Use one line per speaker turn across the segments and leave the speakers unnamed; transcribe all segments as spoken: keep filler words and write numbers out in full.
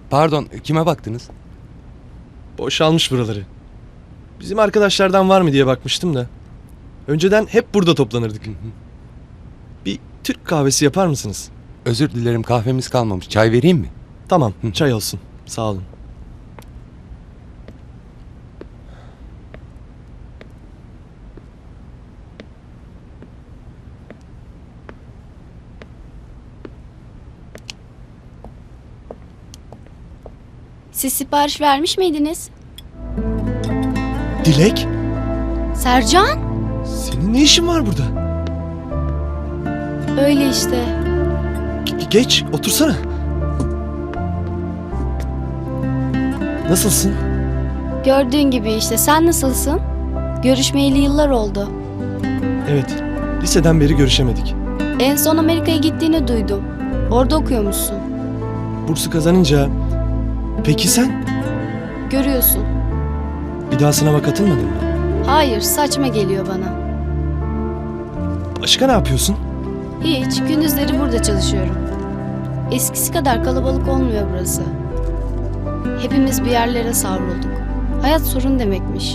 Pardon, kime baktınız?
Boşalmış buraları. Bizim arkadaşlardan var mı diye bakmıştım da. Önceden hep burada toplanırdık. Bir Türk kahvesi yapar mısınız?
Özür dilerim, kahvemiz kalmamış. Çay vereyim mi?
Tamam, çay olsun. Sağ olun.
Siz sipariş vermiş miydiniz?
Dilek,
Sercan?
senin ne işin var burada?
Öyle işte.
Ge- geç, otursana. Nasılsın?
Gördüğün gibi işte. Sen nasılsın? Görüşmeyeli yıllar oldu.
Evet, liseden beri görüşemedik.
En son Amerika'ya gittiğini duydum. Orada okuyormuşsun.
Bursu kazanınca... Peki sen?
Görüyorsun.
Bir daha sınava katılmadın mı?
Hayır, saçma geliyor bana.
Başka ne yapıyorsun?
Hiç, gündüzleri burada çalışıyorum. Eskisi kadar kalabalık olmuyor burası. Hepimiz bir yerlere savrulduk. Hayat sorun demekmiş.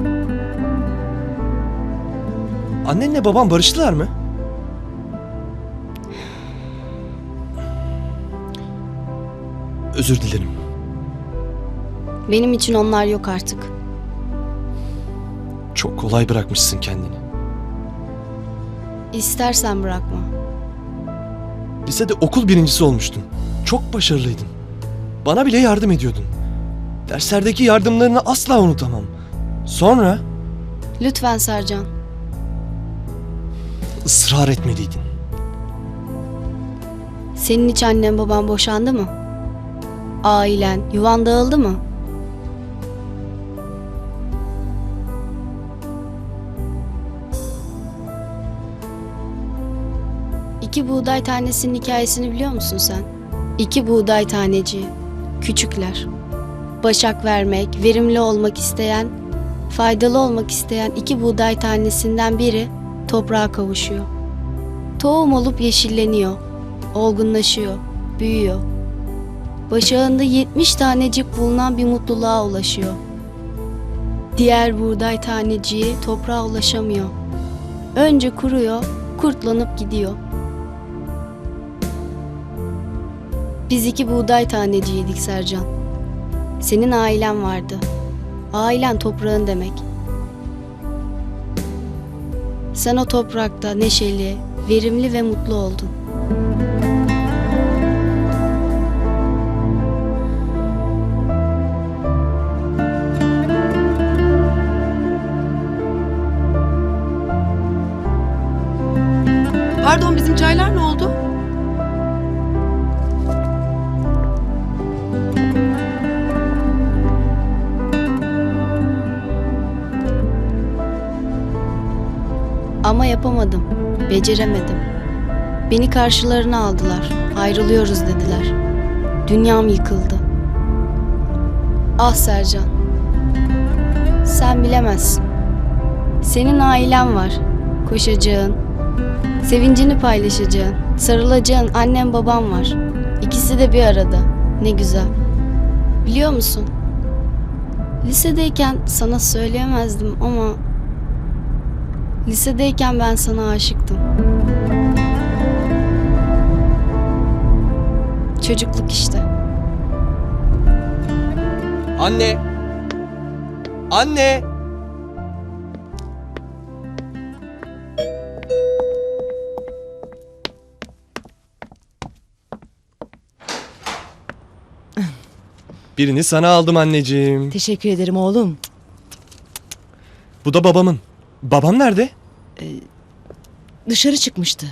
Annenle baban barıştılar mı? Özür dilerim.
Benim için onlar yok artık.
Çok kolay bırakmışsın kendini.
İstersen bırakma.
Lisede okul birincisi olmuştun. Çok başarılıydın. Bana bile yardım ediyordun. Derslerdeki yardımlarını asla unutamam. Sonra
Lütfen Sercan.
ısrar etmeliydin.
Senin hiç annen baban boşandı mı? Ailen, yuvan dağıldı mı? İki buğday tanesinin hikayesini biliyor musun sen? İki buğday taneci, küçükler. Başak vermek, verimli olmak isteyen, faydalı olmak isteyen iki buğday tanesinden biri toprağa kavuşuyor. Tohum olup yeşilleniyor, olgunlaşıyor, büyüyor. Başağında yetmiş tanecik bulunan bir mutluluğa ulaşıyor. Diğer buğday taneciği toprağa ulaşamıyor. Önce kuruyor, kurtlanıp gidiyor. Biz iki buğday taneciydik Sercan. Senin ailen vardı. Ailen toprağın demek. Sen o toprakta neşeli, verimli ve mutlu oldun.
Pardon, bizim çaylar ne oldu?
Ama yapamadım, beceremedim. Beni karşılarına aldılar, ayrılıyoruz dediler. Dünyam yıkıldı. Ah Sercan, sen bilemezsin. Senin ailen var, koşacağın, sevincini paylaşacağın, sarılacağın annen babam var. İkisi de bir arada, ne güzel. Biliyor musun? Lisedeyken sana söyleyemezdim ama... Lisedeyken ben sana aşıktım. Çocukluk işte.
Anne! Anne! Birini sana aldım anneciğim.
Teşekkür ederim oğlum.
Bu da babamın. Babam nerede?
Dışarı çıkmıştı.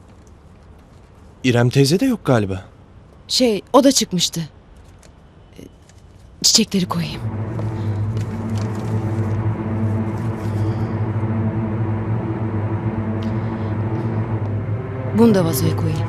İrem teyze de yok galiba.
Şey, o da çıkmıştı. Ee, Çiçekleri koyayım. Bunu da vazoya koyayım.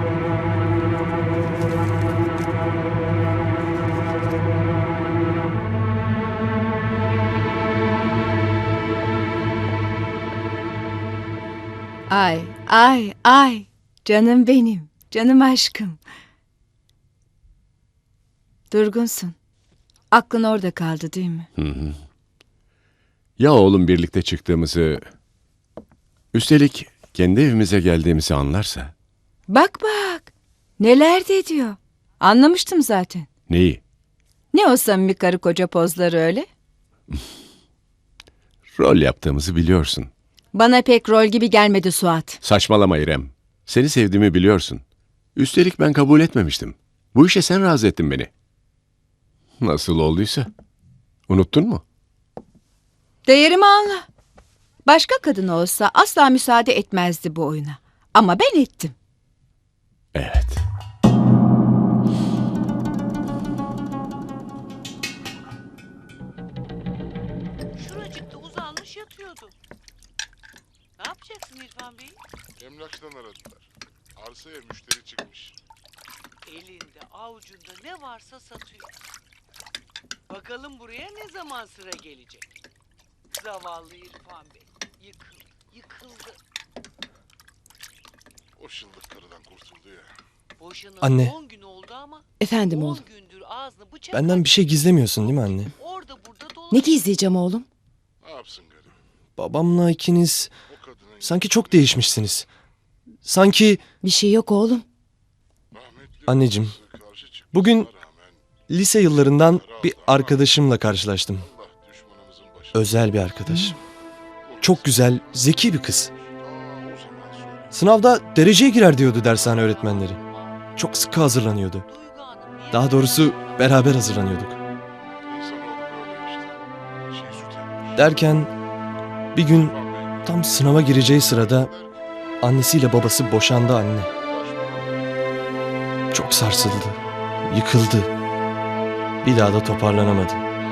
Ay, ay, ay. Canım benim, canım aşkım.
Durgunsun. Aklın orada kaldı değil mi?
Ya oğlum birlikte çıktığımızı, üstelik kendi evimize geldiğimizi anlarsa?
Bak bak. Neler de diyor. Anlamıştım zaten.
Neyi?
Ne o samimi karı koca pozları öyle?
Rol yaptığımızı biliyorsun.
Bana pek rol gibi gelmedi Suat.
Saçmalama İrem. Seni sevdiğimi biliyorsun. Üstelik ben kabul etmemiştim. Bu işe sen razı ettin beni. Nasıl olduysa. Unuttun mu?
Değerimi anla. Başka kadın olsa asla müsaade etmezdi bu oyuna. Ama ben ettim.
Evet.
Şuracıkta uzanmış yatıyordu. Ne yapacaksın İrfan Bey?
Emlakçıdan aradılar. Arsaya müşteri çıkmış.
Elinde avucunda ne varsa satıyor. Bakalım buraya ne zaman sıra gelecek? Zavallı İrfan Bey. Yıkıldı, yıkıldı.
O şıllık karıdan kurtuldu ya.
Boşanalı
Anne.
on gün oldu ama
Efendim
on
oğlum.
gündür ağzını bıçak
Benden bir şey gizlemiyorsun değil mi anne?
orada burada
Ne
dolaşıyor.
gizleyeceğim oğlum?
Ne yapsın garip?
Babamla ikiniz
O kadının
sanki çok değişmişsiniz. Sanki
Bir şey yok oğlum.
rahmetli
Anneciğim,
babası karşı çıkmasına
bugün
rağmen
lise yıllarından bir arkadaşımla karşılaştım.
Allah düşmanımızın başına
Özel bir arkadaş. Çok güzel, zeki bir kız.
ta o zaman söyle.
Sınavda dereceye girer diyordu dershane öğretmenleri. Çok sıkı hazırlanıyordu.
Duygu Hanım niye-
Daha doğrusu beraber hazırlanıyorduk.
İnsanoğlu böyle işte. Şey süt emmiş.
Derken bir gün
İrfan Bey,
tam sınava gireceği sırada annesiyle babası boşandı anne. Çok sarsıldı, yıkıldı. Bir daha da toparlanamadı.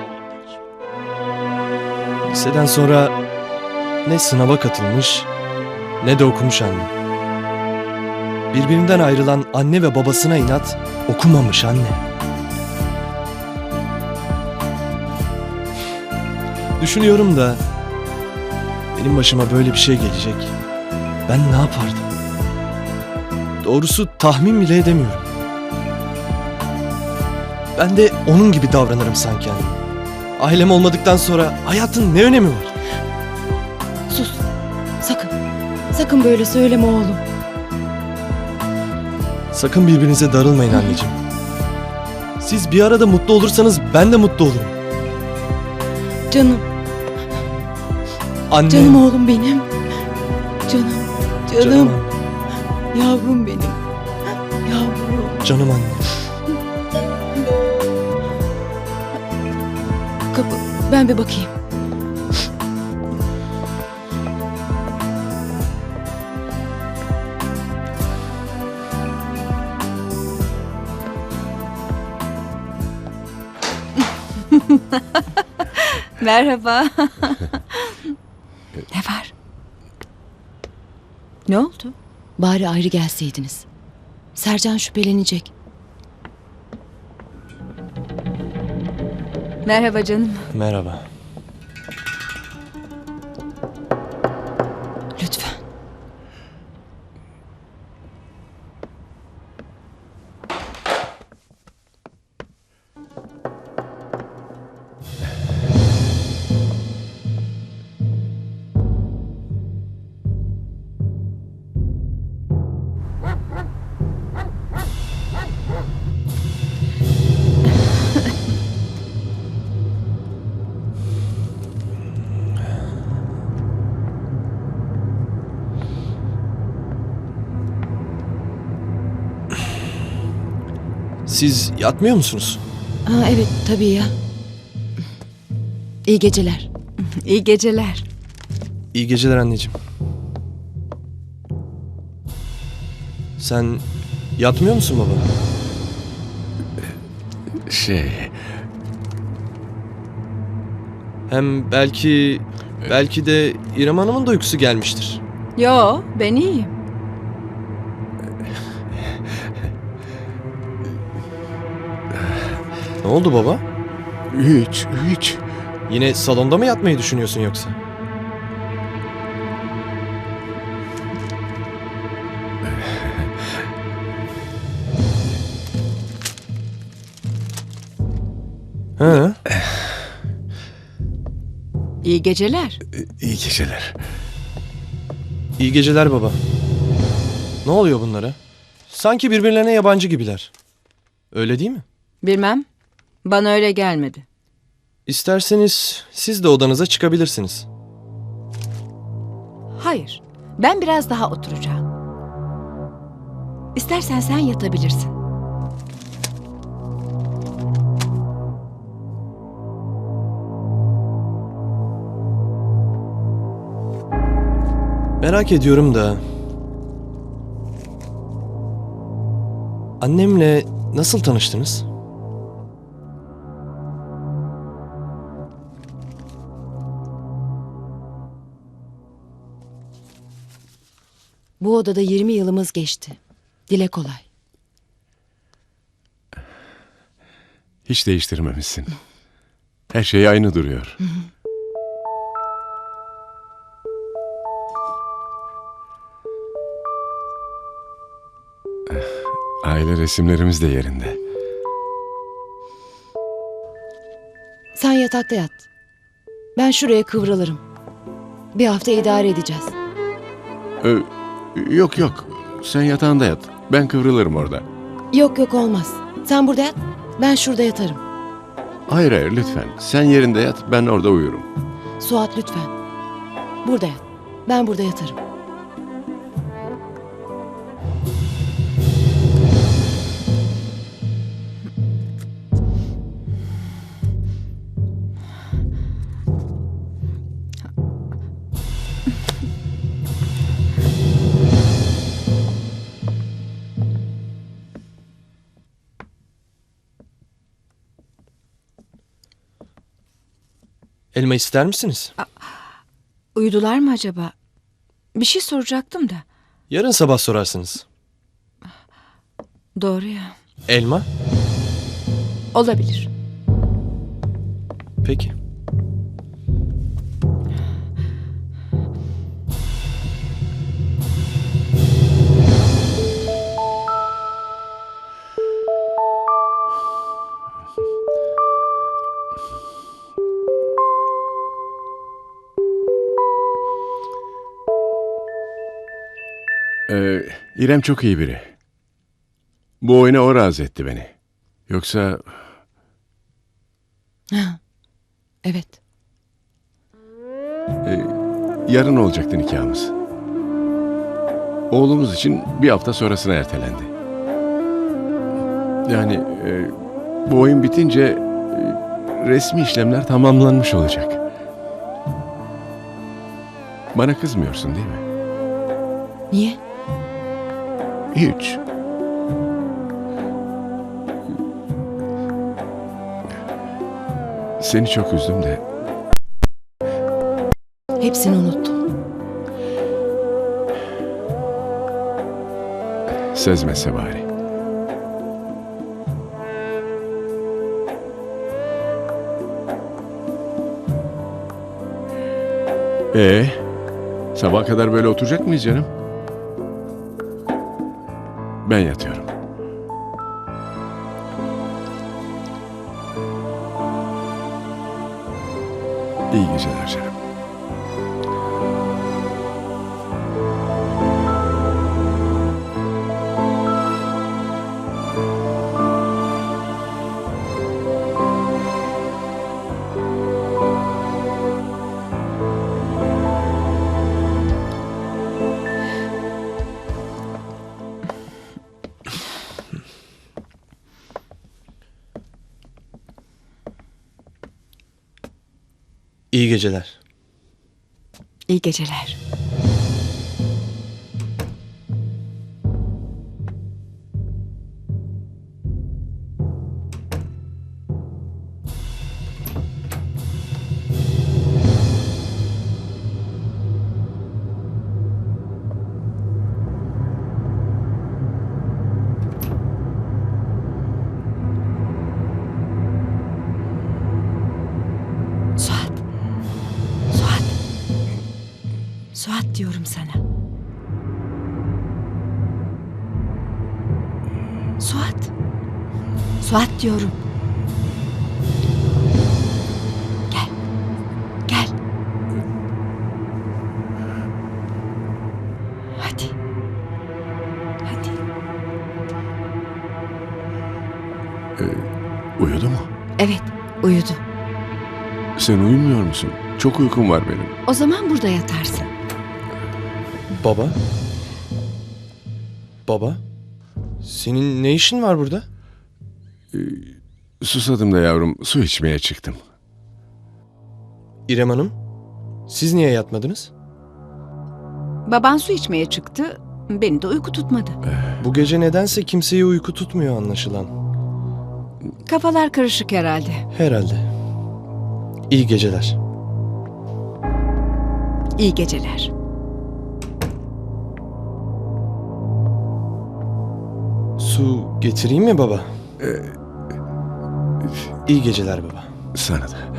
Liseden sonra ne sınava katılmış ne de okumuş anne. Birbirinden ayrılan anne ve babasına inat okumamış anne. Düşünüyorum da benim başıma böyle bir şey gelecek. Ben ne yapardım? Doğrusu tahmin bile edemiyorum. Ben de onun gibi davranırım sanki anne. Ailem olmadıktan sonra hayatın ne önemi var?
Sus. Sakın. Sakın böyle söyleme oğlum.
Sakın birbirinize darılmayın anneciğim. Siz bir arada mutlu olursanız ben de mutlu olurum.
Canım.
Anne.
Canım oğlum benim. Canım. Canım.
Canım,
Yavrum benim. Yavrum.
canım anne.
Kapı. Ben bir bakayım.
Merhaba. Ne var? Ne oldu?
Bari ayrı gelseydiniz. Sercan şüphelenecek.
Merhaba canım.
Merhaba.
Lütfen.
Siz yatmıyor musunuz?
Ha, evet tabii ya. İyi geceler.
İyi geceler.
İyi geceler anneciğim. Sen yatmıyor musun baba?
Şey,
Hem belki belki de İrem Hanım'ın da uykusu gelmiştir.
Yo, ben iyiyim.
Ne oldu baba?
hiç, hiç.
Yine salonda mı yatmayı düşünüyorsun yoksa? He?
İyi geceler.
İyi geceler.
İyi geceler baba. Ne oluyor bunlara? Sanki birbirlerine yabancı gibiler. Öyle değil mi?
Bilmem. Bana öyle gelmedi.
İsterseniz siz de odanıza çıkabilirsiniz.
Hayır. Ben biraz daha oturacağım. İstersen sen yatabilirsin.
Merak ediyorum da... Annemle nasıl tanıştınız?
Bu odada yirmi yılımız geçti. Dile kolay.
Hiç değiştirmemişsin. Her şey aynı duruyor. Aile resimlerimiz de yerinde.
Sen yatakta yat. Ben şuraya kıvrılırım. Bir hafta idare edeceğiz.
Ö, yok yok. Sen yatağında yat. Ben kıvrılırım orada.
Yok yok olmaz. Sen burada yat. Ben şurada yatarım.
Hayır hayır lütfen. Sen yerinde yat. Ben orada uyurum.
Suat lütfen. Burada yat. Ben burada yatarım.
Elma ister misiniz?
Uyudular mı acaba? Bir şey soracaktım da.
Yarın sabah sorarsınız.
Doğru ya.
Elma?
Olabilir.
Peki.
Ee, İrem çok iyi biri. Bu oyuna o razı etti beni. Yoksa
Ha, evet.
e, yarın olacaktı nikahımız. Oğlumuz için bir hafta sonrasına ertelendi. Yani e, bu oyun bitince e, resmi işlemler tamamlanmış olacak. Bana kızmıyorsun değil mi?
Niye?
Hiç. Seni çok üzdüm de
Hepsini unuttum.
sezmese bari. Ee, sabaha kadar böyle oturacak mıyız canım? Ben yatıyorum. İyi geceler canım.
İyi geceler.
İyi geceler. Suat. Suat. Suat diyorum sana. Suat. Suat diyorum.
Uyudu mu?
Evet, uyudu.
Sen uyumuyor musun? Çok uykum var benim.
O zaman burada yatarsın.
Baba? Baba? Senin ne işin var burada?
Susadım da yavrum, su içmeye çıktım.
İrem Hanım, siz niye yatmadınız?
Baban su içmeye çıktı. Beni de uyku tutmadı.
Bu gece nedense kimseyi uyku tutmuyor anlaşılan.
Kafalar karışık herhalde.
Herhalde. İyi geceler.
İyi geceler.
Su getireyim mi baba? İyi geceler baba.
Sana da.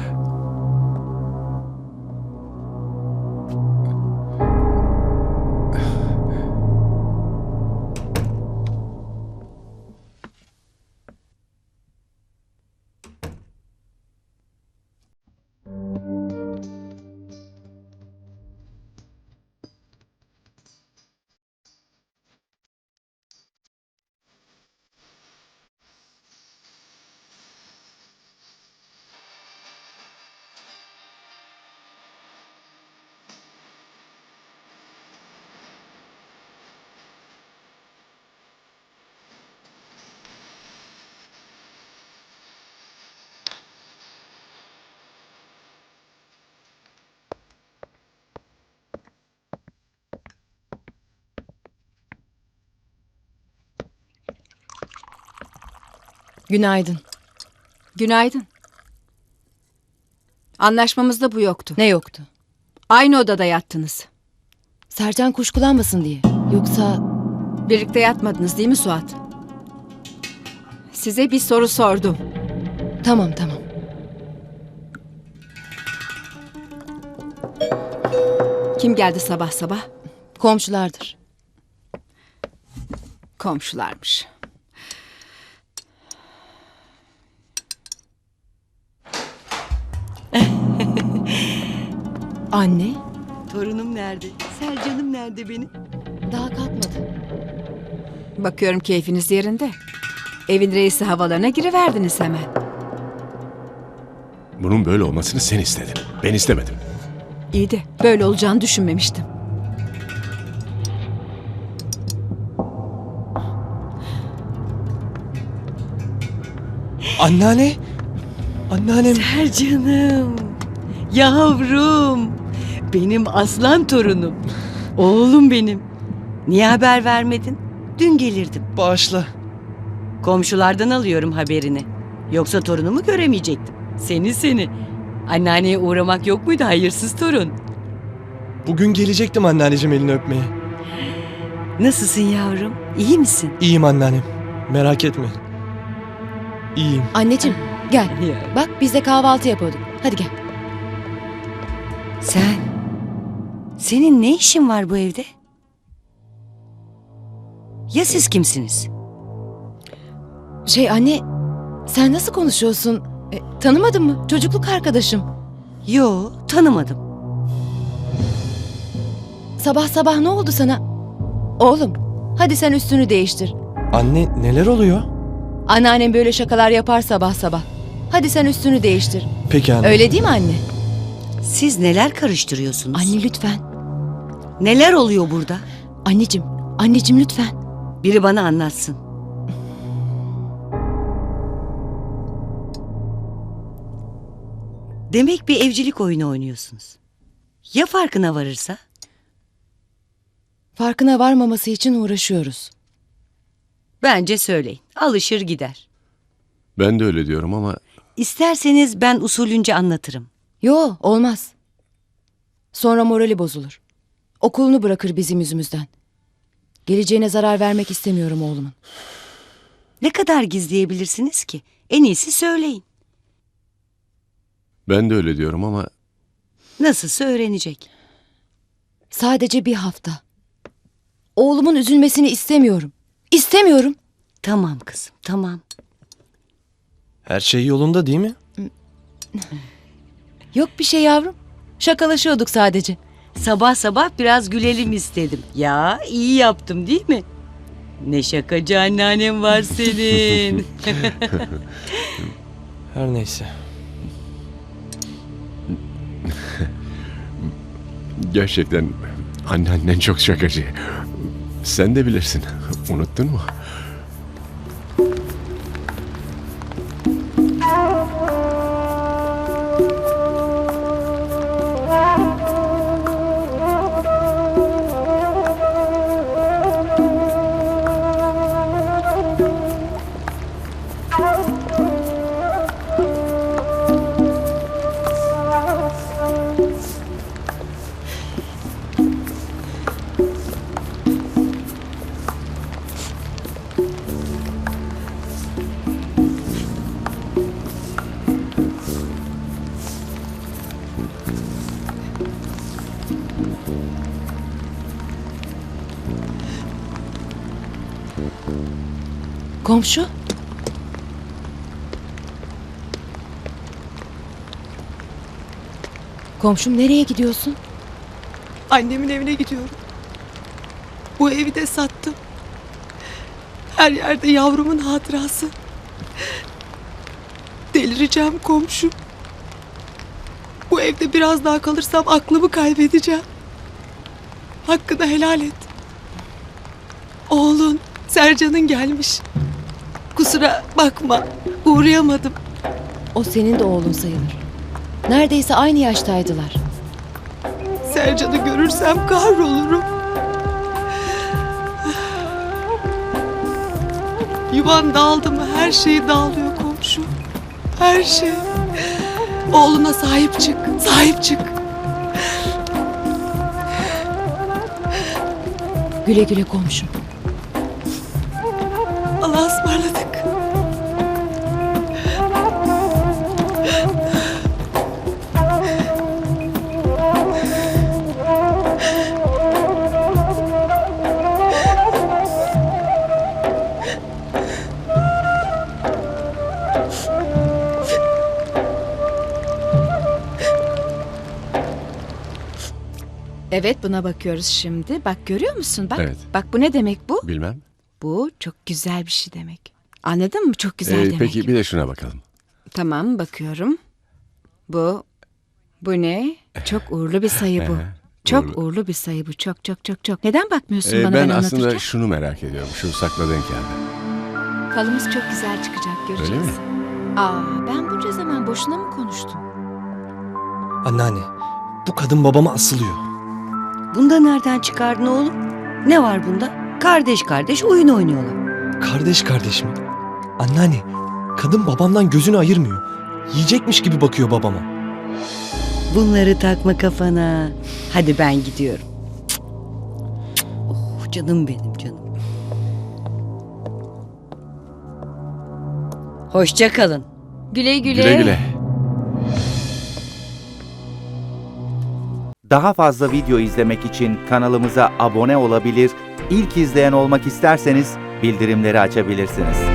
Günaydın.
Günaydın. Anlaşmamızda bu yoktu.
Ne yoktu?
Aynı odada yattınız.
Sercan kuşkulanmasın diye. Yoksa
Birlikte yatmadınız değil mi Suat? Size bir soru sordum.
tamam tamam.
Kim geldi sabah sabah?
Komşulardır.
Komşularmış.
Anne
Torunum nerede? Sercan'ım nerede benim?
daha kalkmadı.
Bakıyorum keyfiniz yerinde. Evin reisi havalarına giriverdiniz hemen.
Bunun böyle olmasını sen istedin. Ben istemedim.
İyi de böyle olacağını düşünmemiştim.
Anneanne! Anneannem!
Sercan'ım. Yavrum. Benim aslan torunum. Oğlum benim. Niye haber vermedin? Dün gelirdim.
Bağışla.
Komşulardan alıyorum haberini. Yoksa torunumu göremeyecektim. Seni seni. Anneanneye uğramak yok muydu hayırsız torun?
Bugün gelecektim anneanneciğim elini öpmeye.
Nasılsın yavrum? İyi misin?
İyiyim anneannem. Merak etme. İyiyim.
Anneciğim gel.
Ya.
Bak biz de kahvaltı yapıyorduk. Hadi gel.
Sen? Senin ne işin var bu evde? Ya siz kimsiniz?
Şey anne sen nasıl konuşuyorsun? E, tanımadın mı? Çocukluk arkadaşım.
Yo, tanımadım.
Sabah sabah ne oldu sana? Oğlum hadi sen üstünü değiştir.
Anne neler oluyor?
Anneannem böyle şakalar yapar sabah sabah. Hadi sen üstünü değiştir.
Peki anne.
Öyle değil mi anne?
Siz neler karıştırıyorsunuz?
Anne lütfen.
Neler oluyor burada?
Anneciğim, anneciğim lütfen.
Biri bana anlatsın. Demek bir evcilik oyunu oynuyorsunuz. Ya farkına varırsa?
Farkına varmaması için uğraşıyoruz.
Bence söyleyin. Alışır gider.
Ben de öyle diyorum ama
İsterseniz ben usulünce anlatırım.
Yo, olmaz. Sonra morali bozulur. Okulunu bırakır bizim yüzümüzden. Geleceğine zarar vermek istemiyorum oğlumun.
Ne kadar gizleyebilirsiniz ki? En iyisi söyleyin.
ben de öyle diyorum ama
Nasılsa öğrenecek.
Sadece bir hafta. Oğlumun üzülmesini istemiyorum. İstemiyorum.
Tamam kızım, tamam.
Her şey yolunda değil mi?
Yok bir şey yavrum. Şakalaşıyorduk sadece.
Sabah sabah biraz gülelim istedim. Ya iyi yaptım değil mi? Ne şakacı anneannem var senin.
Her neyse.
Gerçekten anneannen çok şakacı. Sen de bilirsin. Unuttun mu?
Komşu? Komşum nereye gidiyorsun?
Annemin evine gidiyorum. Bu evi de sattım. Her yerde yavrumun hatırası. Delireceğim komşu. Bu evde biraz daha kalırsam aklımı kaybedeceğim. Hakkını helal et. Oğlun, Sercan'ın gelmiş. Kusura bakma, uğrayamadım.
O senin de oğlun sayılır. Neredeyse aynı yaştaydılar.
Sercan'ı görürsem kahrolurum. Yuvan dağıldı mı her şey dağılıyor komşu. Her şey. Oğluna sahip çık, sahip çık.
Güle güle komşum.
Allah'a ısmarladık. Evet, buna bakıyoruz şimdi. Bak, görüyor musun? Bak.
Evet.
Bak, bu ne demek bu?
Bilmem.
Bu çok güzel bir şey demek. Anladın mı? Çok güzel
Ee,
demek.
peki bir de şuna bakalım.
Tamam, bakıyorum. Bu bu ne? Çok uğurlu bir sayı bu.
Ee,
Çok
uğurlu.
uğurlu bir sayı bu. Çok çok çok çok. Neden bakmıyorsun
Ee,
bana
ben
ben
aslında
anlatırken?
şunu merak ediyorum. Şu sakladığın kağıdı.
Falımız çok güzel çıkacak, göreceğiz.
Öyle mi?
Aa, ben bunca zaman boşuna mı konuştum?
Anneanne, bu kadın babama asılıyor.
Bunda nereden çıkardın oğlum? Ne var bunda? Kardeş kardeş oyun oynuyorlar.
Kardeş kardeş mi? Anneanne, kadın babamdan gözünü ayırmıyor. Yiyecekmiş gibi bakıyor babama.
Bunları takma kafana. Hadi ben gidiyorum. Cık, cık. Oh canım benim canım. Hoşça kalın.
Güle güle.
Güle güle.
Daha fazla video izlemek için kanalımıza abone olabilir, ilk izleyen olmak isterseniz bildirimleri açabilirsiniz.